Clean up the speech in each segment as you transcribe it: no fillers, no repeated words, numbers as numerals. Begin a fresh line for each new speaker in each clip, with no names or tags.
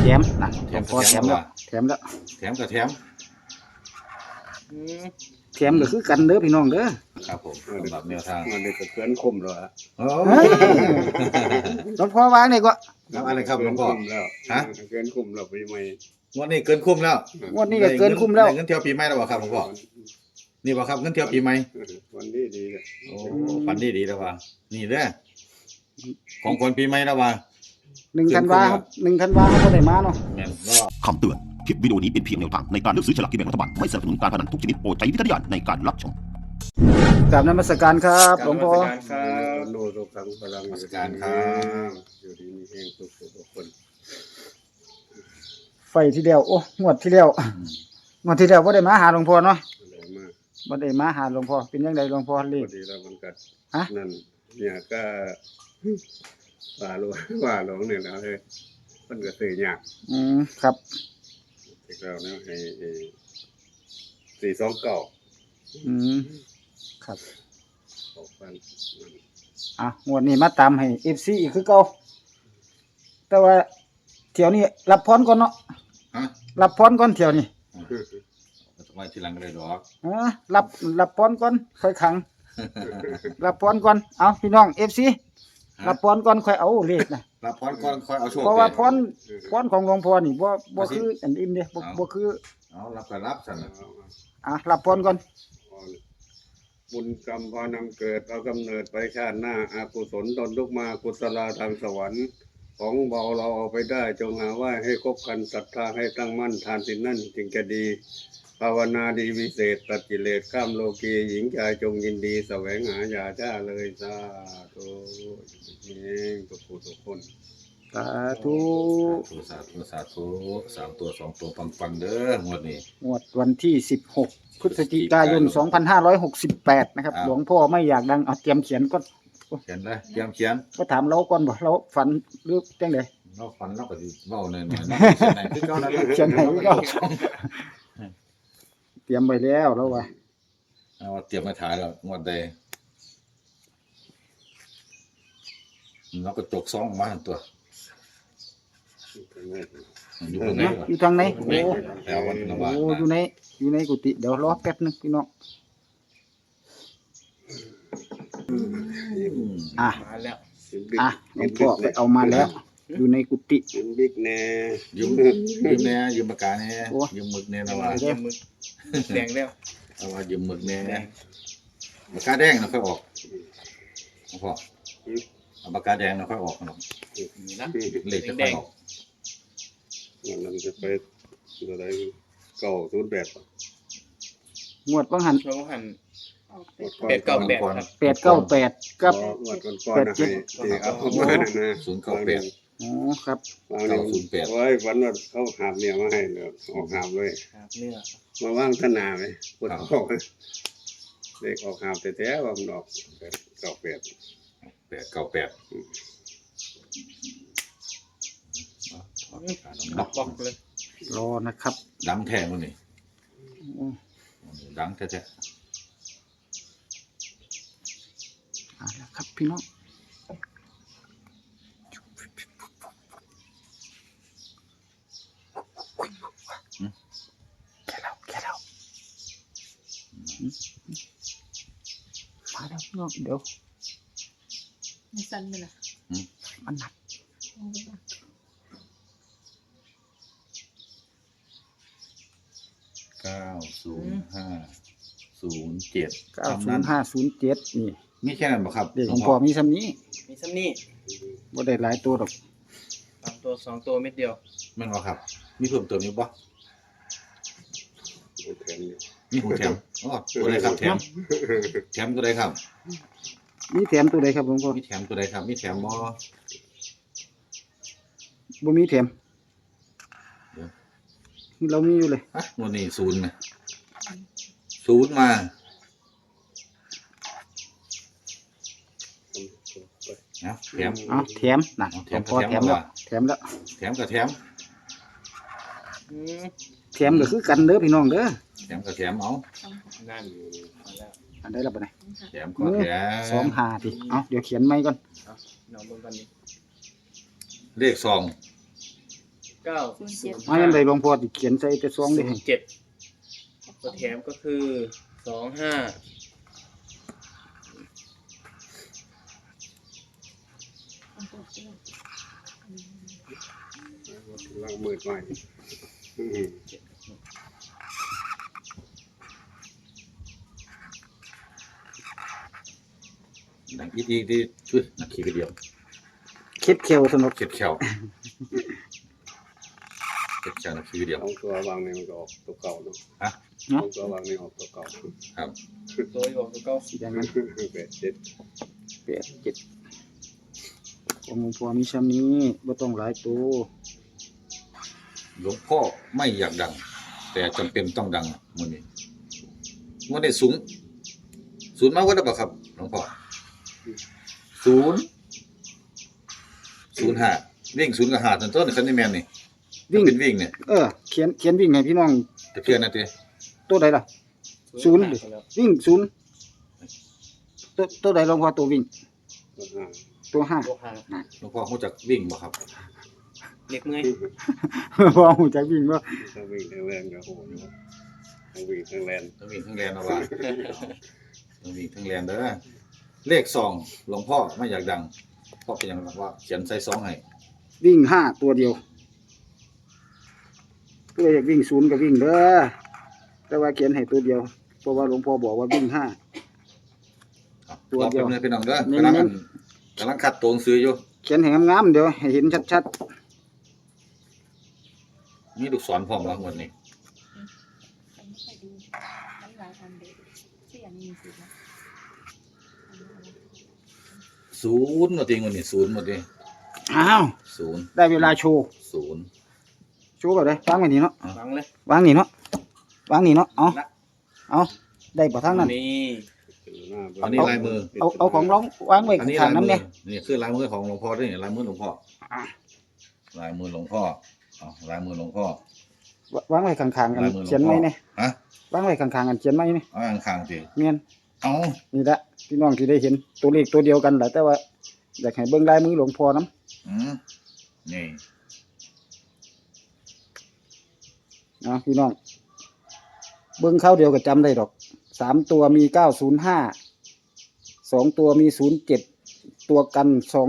แถมนะพอแถมแล้วแถมแล้ว
แถมกับแถม
แถมก็คือกันเด้อพี่น้องเด้อ
ครับผมสำหรับแนวทาง
มันเลยก็เกินคมแล้วฮะ
โอ้
หลวงพ่อวางนี่ก็
แล้วอะไรครับหลวงพ่อ
เกินคุ้มแล้ว
ฮะ
เกินคุ้มแล้วไปใหม่
งวดนี้เกินคุ้มแล้ว
งวดนี้ก็เกินคุ้มแล้ว
ได้เงินเที่ยวปีใหม่แล้วบ่ครับหลวงพ่อนี่บ่ครับเงินเที่ยวปีใหม่
วันนี้ดีเลย
โอ้ฝันดีแล้วว่านี่เด้อของคนปีใหม่แล้วว่า
1 ธันวาครับ1 ธันวาเขาบ่ได้มาเนาะ
แม่นแล้ว
คำเตือน คลิปวิดีโอนี้เป็นเพียงแนวทางในการเลือกซื้อฉลากกินแบ่งรัฐบาล ไม่สนับสนุนการพนันทุกชนิดโปรดใช้วิจารณญาณในการรับชม
กราบนมัสการครับหลวงพ่อ
ครับโนโรกังพลัง
ราชการครับ
อยู่ดีมีแห่งสุขทุกคน
ไฟที่แล้วโอ้งวดที่แล้วงวดที่แล้วบ่ได้มาหาหลวงพ่อเนาะ
อะไรมาก
บ่ได้มาหาหลวงพ่อเป็นจังไดหลวงพ่อเล
พ
ข
อดีแล้วมันกัด
ฮะ
นั่นเนี่ยก็ว่าหลวงเนี่ยนะเฮ้ยมันก็ซื้อยาก
ครับ
อีกแล้วนะให้429
ครับ
ออกฟัน
งวดนี้มาตามให้ FC อีกคือเก่าแต่ว่าเที่ยวนี้รับพรก่อนเนาะ
ฮะ
รับพรก่อนเที่ยวนี้
ไว้ทีหลังก็ได้ดอก
รับพรก่อนค่อยขัง รับพรก่อนเอาพี่น้อง FC รับพรก่อนค่อยเอาเลขนะ
รับพรก่อนค่อยเอาโชค
เพราะว่า
ไป
พรของหลวงพ่อนี่บ่คืออันอื่นเด้บ่คือ
เอารับก็รับซั่นน่ะ
รับพรก่อน
บุญกรรมพานำเกิดเอากำเนิดไปชาติหน้าอากุศลตนลุกมากุศลาทางสวรรค์ ของเบาเราเอาไปได้จงหาไหว้ให้ครบครันศรัทธาให้ตั้งมั่นทานสินนั่นจึงจะดี ภาวนาดีวิเศษตัดกิเลสข้ามโลกีหญิงชายจงยินดีแสวงหาอย่าช้าเลยสาธุนี่ทุกผู้ทุกคน
สาธุ
สาธุ3ตัว2ตัวปังๆเด้องวดนี้
งวดวันที่16พฤศจิกายน2568นะครับหลวงพ่อไม่อยากดังเอาเตรียมเขียนก็
เขียนเลยเตรียมเขียน
ก็ถามเราก่อนบ่เราฝันหรือจังได๋
เราฝันเราก็สิเว้าแน่ๆเนาะเขียนไหนคือเก่านั่นแหละ
เขียนไหนก็ เตรียมไว้แล้วแล้วว่า
เอาเตรียมมาถ่ายแล้วงวดใดเราก็จกซองมาหั่นตัวอยู่ตรงไหนวะ
อยู่ทางไหนโอ้
แถววันละบาท
อยู่ในกุฏิเดี๋ยวรอแป๊บนึงพี่น้องอ่ะ
มาแล้ว
หลวงพ่อไปเอามาแล้ว อยู่ในกุฏิ
บิ๊กแน่
ยืมแน่ยืมปากกาแน่
โอ้
ยืมหมึกแน่นะว่า
ยืมมึกแดงแล้ว
เอาว่ายืมหมึกแน่ปากกาแดงนะค่อยออกพ่อเอาปากกาแดงนะค่อยออกเนาะ
นี่นะ
เลขจะค่อยออก
มันจะไปอะไร908
งวดบางหัน
เราหัน
898
898ครับ
898กับ
งวดก่อนๆนะให้ที่เอามานั่นนะ
098
อ๋อครับ
วางนี่โอ้ยวันว่าเขาหาบเนี่ยมาให้เลยออกหาบเลย
ครับเนื้อ
มาว่างธนาไหมปวดท้องเด็กออกหาบแต่แท้ว่ามันออก98
898
บอกเลย
รอนะครับ
ดังแท้มื้อนี่
โอ้
ดังแท้
เอาละครับพี่น้องแค่เรามาแล้วพี่น้องเดี๋ยว
ไม่สั้นไปนะ
มันหนัก
90507
90507นี่
มีแค่นั้นบ่ครับ
เด็กของพ่อมีซ้ำนี้
มีซ้ำนี่
บ่ได้หลายตัวดอก
3ตัว2ตัวเม็ดเดียว
แม่นบ่ครับ มีเพิ่มเติมอีกบ่
แทนนี่
มีหูแถมอ๋อตัวใดครับแถมตัวใดครับ
มีแถมตัวใดครับหลวงพ่อ
มีแถมตัวใดครับ มีแถมบ่
บ่มีแถมเรามีอยู่เลย
ฮะวันนี้0นะ0มานะแถม
เอาแถมนะ
เอาแถ
หลว
ม
งพ่อ
แถ
แถ
ม
มแล้ว
ว่า
แถมแล้ว
แถมกับแถม
แถมก็คือกันเด้อพี่น้องเด้อ
แถมกับแถมเอา
นั่นมาแล้ว
อันใดล่ะบัดนี้
แถมก็แถม
25ติเอาเดี๋ยวเขียนใหม่ก่อน
น้องเบิ่งกันนี่
เลขซอง
907
มายังไดหลวงพ่อสิเขียนใส่แต่ซองได้ให้
ตัวแถมก็คือ25
ล้างมือใหม่อืม
ดังอีดีช่วยนักขี่กระเดียว
เค็ดเขียวสนุก
เข็ดแขวเข็ดแขวนักขี่กระเดียว
เอาตัววางนี่มันก็ออกตัวเก่าเนาะ
ฮะ
เอาตัววางนี่ออกตัวเก่า
ครับ
ตัวที่บอกตัวเก้า
อย่างนั้น
8 7
8 7ของหลวงพ่อมีซ้ำนี้บ่ต้องหลายตัว
หลวงพ่อไม่อยากดัง แต่จำเป็นต้องดังมื้อนี้มื้อนี้ศูนย์มาว่าได้บ่ครับหลวงพ่อ05วิ่ง0กับ5ต้นๆคันนี้แม่นนี่
วิ่ง
เป็นวิ่งเนี่ย
เขียนวิ่งให้พี่น้อง
จะเพียนนะติ
ตัวใดล่ะ ศูนย์ดิ
ไปแล้ว
วิ่งศูนย์ตัวใดหลวงพ่อตัววิ่ง ตัวห้า
ตัวหาง
หลวงพ่อรู้จักวิ่งบ่ครับ
เล็กเมื่อย
พอหูจักวิ่งบ่
ถ้าวิ่งแรงๆก็โหอยู่ทั้งวิ่งทั้งแรง
ทั้งวิ่งทั้งแลนเอาว่าทั้งวิ่งทั้งแลนเด้อเลข2หลวงพ่อไม่อยากดังเพราะเป็นหยังว่าเขียนใส่2ให้
วิ่งห้าตัวเดียวเพื่ออยากวิ่งศูนย์ก็วิ่งเด้อแต่ว่าเขียนให้ตัวเดียวเพราะว่าหลวงพ่อบอกว่าวิ่งห้า ตัวเดียว
รอแป๊บนึงพี่น้องเด้อ
เน้นๆ
กำลังคัดตัวหนังสืออยู่
เขียนให้งามๆเดี๋ยวให้เห็นชัด
มีลูกศรพร้อมแล้วงวดนี้
ฉันไม่เคยดูน้ำลายอันเด็กที่อันนี้มีสิทธิ์นะ
ศูนย์หมดทีงวดนี้ศูนย์หมดที
ๆอ้าว
ศูนย์
ได้เวลาโชว์
ศูนย์
โชว์แบบไหนวางไว้นี่เนาะ
ฟังเลย
วางนี่เนาะวางนี่เนาะเอา
ละ
เอาได้บ่ทางนั้น
นี่
หน้า
อันนี้ลายมือ
เอาของร้องวางไว้
อันนี้
ข้า
ลาง ย
ๆ
มื
น้ำ
อ
เนี่ย
นี่คือลายมือของหลวงพ่อด้วยนี่ลายมือหลวงพ่อลายมือหลวงพ่อเอาลายมือหลวงพ่อ
วางไว้ข้างๆกัน
ลายมือหลวงพ่อ
เขียนไว้เนี่ย
ฮะ
วางไว้ข้างๆกันเขียนไว้เนี่ย
เอาข้างๆสิ
เมียน
เอา
นี่ละพี่น้องที่ได้เห็นตัวเลขตัวเดียวกันแหละแต่ว่าอยากให้เบิ่งลายมือหลวงพ่อน้
อืมนี่
ำนะพี่น้องเบิ่งเข้าเดียวก็จำได้ดอก3ตัวมี905 2ตัวมี07ตัวกัน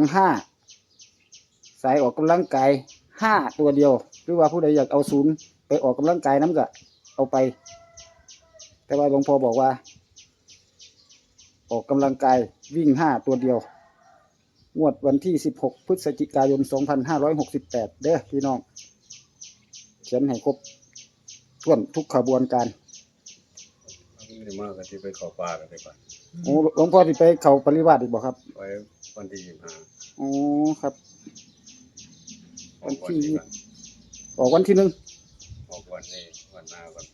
25สายออกกำลังกาย5ตัวเดียวหรือว่าผู้ใดอยากเอา0ไปออกกำลังกายน้ำก็เอาไป แต่ว่าหลวงพ่อบอกว่า ออกกำลังกายวิ่ง5ตัวเดียวงวดวันที่16พฤศจิกายน2568เด้อพี่น้องเขียนให้ครบถ้วนทุกขบวนการ
ไม่ได้มากกันที่ไปเข้าป่ากันไปก่อน
โอ้หลวงพ่อที่ไปเขาปริวาสอีกบ่ครับ
ไว้วันที่25
โอ้ครับ
ออกวันที่
ออกวันที่
ออกวันนี้วันหน้าวัน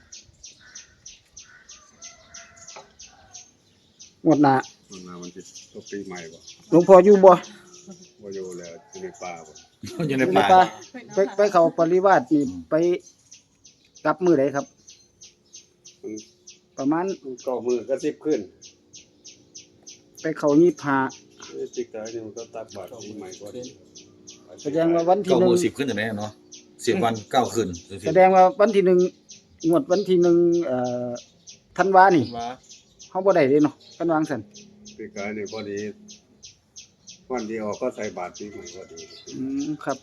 1งวดหน้า
วันหน้ามันจะตกปีใหม่บ่
หลวงพ่ออยู่บ่
บ่อยู่แล้วอยู่ในป่าบ่
อยู่ใน
อยู่ใน
ป่า
ป่าไปเขาปริวาสนี่ไปกลับมื้อใดครับ
มัน
ประมาณ
ก็มือก็10ขึ้น
ไปเขา25
จิกตายนี่มันก็ตักบาตรปีใหม่ก่อน
แสดงว่าวันที่
เก้า
หนึ่
มื
ง
อ10ขึ้นจังได๋เนาะ10วัน9คืนจังซี่
แสดงว่าวันที่1งวดวันที่ธันวานี่
มา
เฮาบ่ได้เด้เนาะกันวางซั่น
ปีกายนี่พอดีวันที่ออกก็ใส่บาตรปีใหม่พอดี
ครับ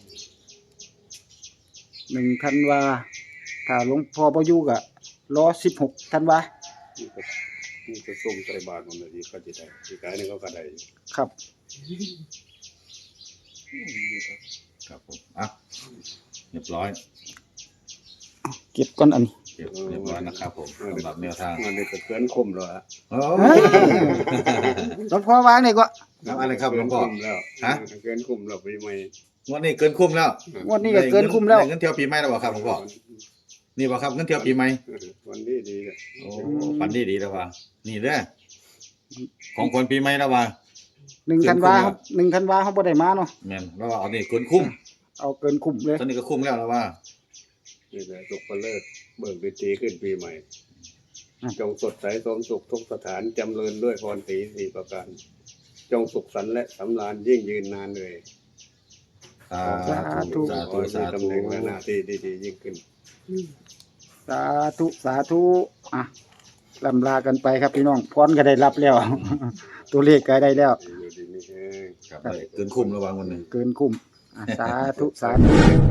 1ธันวาถ้าหลวงพ่อบ่อยู่ก็รอ16ธันวา
นี่ก็ส่งใส่บาตรมันเลยดีก็จะได้ปีกายนี่ก็ได้
ครับ
ครับผมอ่ะเรียบร้อย
เก็บก่อนอันนี้
เรียบร้อยนะครับผมสำหรับแนวทาง
มันได้เกินคมแล้วฮะ
โอ้
หลวงพ่อวางนี่ก็
ครับอะไรครับหลวงพ่อ
เกินคุ้มแล้ว
ฮะ
เกินคุ้มแล้วปีใหม่
งวดนี้เกินคุ้มแล้ว
งวดนี้ก็เกินคุ้มแล้ว
ได้เงินเที่ยวปีใหม่แล้วบ่ครับหลวงพ่อนี่บ่ครับเงินเที่ยวปีใหม่
วันนี้ดีเลย
โอ้ฝันดีแล้วว่านี่เด้อของคนปีใหม่แล้วว่า
1ธันวาครับ1ธันวาเฮาบ่ได้มาเนาะ
แม่นแล้วว่าเอานี่เกินคุ้ม
เอาเกินคุ้มเลย
ตอนนี้ก็คุ้มแล้วว่า
นี่แหละสุขเลิศเบิ่งปีตีขึ้นปีใหม่ จงสดใสสมสุขทุกสถานจำเริญด้วยพรสี4ประการจงสุขสันต์และสำราญยิ่งยืนนานเลย
สา
สาธุ
ธุสา
ขอ
ธุ
ให้
สา
มี
ธุ
ตำแหน่งและหน้าที่ดีๆยิ่งขึ้น
สาธุสาธุอ่ะลำลากันไปครับพี่น้องพรก็ได้รับแล้ว ตัวเลขก็ได้แล้ว
อยู่ดีนี่เอง
ครับได้เกินคุ้มระวังวันหนึ่ง
เกินคุ้มอ่ะสาธุสาธุ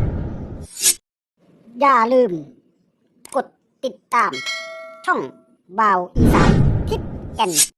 อย่าลืม กดติดตาม ช่องบ่าวอีสานทิศแก่น